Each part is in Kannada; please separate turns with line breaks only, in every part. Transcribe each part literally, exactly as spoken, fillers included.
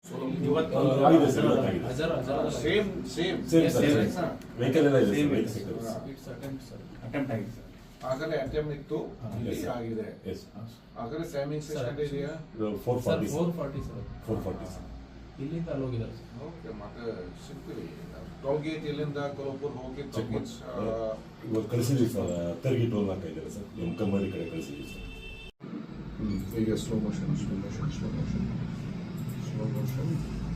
ಸೇಮ್ ಸೇಮ್
ವೆಹಿಕಲ್ ಎಲ್ಲ ಇದೆ
ಅಟೆಂಪ್ಟ್ ಆಗಿದೆ ಸರ್. ಆಗಲೇ ಅಟೆಂಪ್ಟ್ ಇತ್ತು, ಇಲ್ಲಿ ಆಗಿದೆ. ಆಗಲೇ ಟೈಮಿಂಗ್ಸ್ ಎಷ್ಟು ಇದೆಯಾ?
Four forty
four forty sir.
Four forty sir.
ಇಲ್ಲಿಂದ ಅಲ್ಲಿ ಹೋಗಿದ್ದಾರೆ ಸರ್.
ಓಕೆ, ಮತ್ತೆ ಸಿಗ್ತೀವಿ. ಟೋಲ್ ಗೇಟ್ ಇಲ್ಲಿಂದ ಕೊಲ್ಪುರ್ ಹೋಗಿ ಟೋಲ್ ಗೇಟ್
ಇವಾಗ ಕಳಿಸಿದ್ವಿ ಸರ್. ತೆರಿಗೆ ಟೋಲ್ ನಾಲ್ಕು ಇದ್ದಾರೆ ಸರ್, ನಮ್ಮ ಕಂಬಳಿ ಕಡೆ ಕಳಿಸಿದ್ವಿ ಸರ್.
ಈಗ slow motion slow motion slow motion slow motion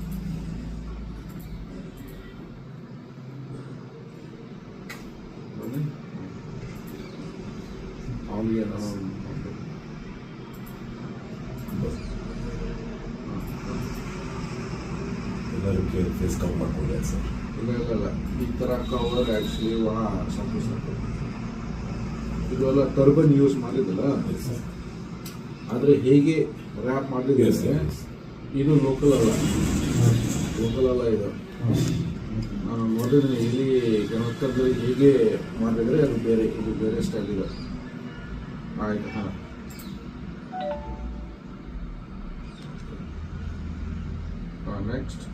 ಎಲ್ಲರಿಗೆ ಫೇಸ್ ಕವರ್ ಮಾಡ್ಕೊಂಡಿದ್ದಾರೆ ಸರ್.
ಇಲ್ಲ ಇಲ್ಲ ಇಲ್ಲ ಈ ಥರ ಕವರ್ ಆ್ಯಕ್ಚುಲಿ ಒಣ ಸಾಕು ಸಾಕು. ಇದೆಲ್ಲ ಟರ್ಬನ್ ಯೂಸ್ ಮಾಡಿದ್ದಲ್ಲ, ಆದರೆ ಹೇಗೆ ರ್ಯಾಪ್ ಮಾಡಿದ್ರೆ ಇದು ಲೋಕಲ್ ಅಲ್ಲ, ಲೋಕಲ್ ಅಲ್ಲ ಇದು. ನಾನು ನೋಡಿದ್ರೆ ಇಲ್ಲಿ ಕರ್ನಾಟಕದಲ್ಲಿ ಹೇಗೆ ಮಾಡಿದರೆ ಅದು ಬೇರೆ, ಇದು ಬೇರೆ ಸ್ಟೈಲ್ ಇದೆ. ಆಯ್ತು, ಹಾಂ. ನೆಕ್ಸ್ಟ್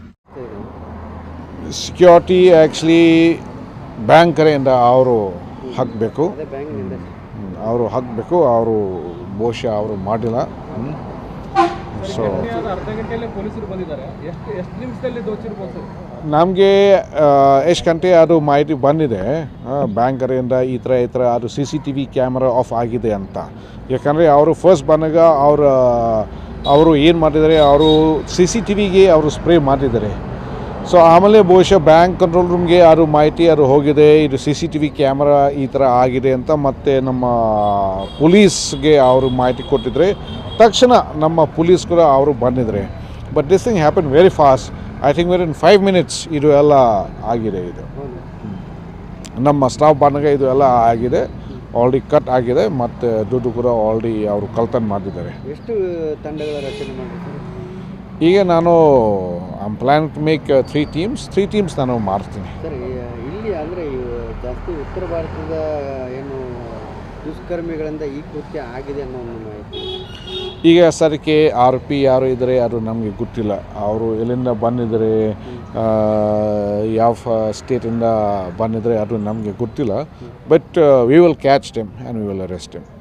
ಸೆಕ್ಯೂರಿಟಿ ಆ್ಯಕ್ಚುಲಿ ಬ್ಯಾಂಕ್ ಕಡೆಯಿಂದ ಅವರು ಹಾಕಬೇಕು, ಅವರು ಹಾಕಬೇಕು. ಅವರು ಬಹುಶಃ ಅವರು ಮಾಡಿಲ್ಲ. ಸೊ
ಅರ್ಧ ಗಂಟೆಯಲ್ಲೇ ಪೊಲೀಸರು ಬಂದಿದ್ದಾರೆ. ಎಷ್ಟು ಎಷ್ಟು ನಿಮಿಷದಲ್ಲಿ ದೋಚಿರ್ಬೋದು?
ನಮಗೆ ಎಷ್ಟು ಗಂಟೆ ಅದು ಮಾಹಿತಿ ಬಂದಿದೆ ಬ್ಯಾಂಕ್ ಕಡೆಯಿಂದ, ಈ ಥರ ಈ ಥರ ಅದು C C T V camera off ಆಗಿದೆ ಅಂತ. ಯಾಕಂದರೆ ಅವರು ಫಸ್ಟ್ ಬಂದಾಗ ಅವ್ರ ಅವರು ಏನು ಮಾಡಿದ್ದಾರೆ, ಅವರು ಸಿ ಸಿ ಟಿ ವಿಗೆ ಅವರು ಸ್ಪ್ರೇ ಮಾಡಿದ್ದಾರೆ. ಸೊ ಆಮೇಲೆ ಬಹುಶಃ ಬ್ಯಾಂಕ್ ಕಂಟ್ರೋಲ್ ರೂಮ್ಗೆ ಯಾರು ಮಾಹಿತಿ ಯಾರು ಹೋಗಿದೆ, ಇದು C C T V camera ಈ ಥರ ಆಗಿದೆ ಅಂತ. ಮತ್ತು ನಮ್ಮ ಪೊಲೀಸ್ಗೆ ಅವರು ಮಾಹಿತಿ ಕೊಟ್ಟಿದ್ರೆ ತಕ್ಷಣ ನಮ್ಮ ಪೊಲೀಸ್ ಕೂಡ ಅವರು ಬಂದಿದ್ದಾರೆ. But this thing happen very fast. I think very in five minutes ಇದು ಎಲ್ಲ ಆಗಿದೆ. ಇದು ನಮ್ಮ ಸ್ಟಾಫ್ ಬಂದಾಗ ಇದು ಎಲ್ಲ ಆಗಿದೆ, ಆಲ್ರೆಡಿ ಕಟ್ ಆಗಿದೆ, ಮತ್ತು ದುಡ್ಡು ಕೂಡ ಆಲ್ರೆಡಿ ಅವರು ಕಳ್ತನ ಮಾಡಿದ್ದಾರೆ.
ಎಷ್ಟು ತಂಡಗಳ ರಚನೆ ಮಾಡಿದ್ದಾರೆ?
ಈಗ ನಾನು I am plan to make three teams three teams ನಾನು ಮಾಡ್ತೀನಿ
ಸರ್. ಇಲ್ಲಿ ಅಂದರೆ ಜಾಸ್ತಿ ಉತ್ತರ ಭಾರತದ ಏನು ದುಷ್ಕರ್ಮಿಗಳಿಂದ ಈ ಕೃತ್ಯ ಆಗಿದೆ ಅನ್ನೋ ಒಂದು ಮಾಹಿತಿ.
ಈಗ ಸರಕ್ಕೆ ಆರ್ ಪಿ ಯಾರು ಇದ್ದಾರೆ ಅದು ನಮಗೆ ಗೊತ್ತಿಲ್ಲ. ಅವರು ಎಲ್ಲಿಂದ ಬಂದಿದ್ದಾರೆ, ಯಾವ ಸ್ಟೇಟಿಂದ ಬಂದಿದ್ದಾರೆ ಅದು ನಮಗೆ ಗೊತ್ತಿಲ್ಲ. But we will catch them and we will arrest them.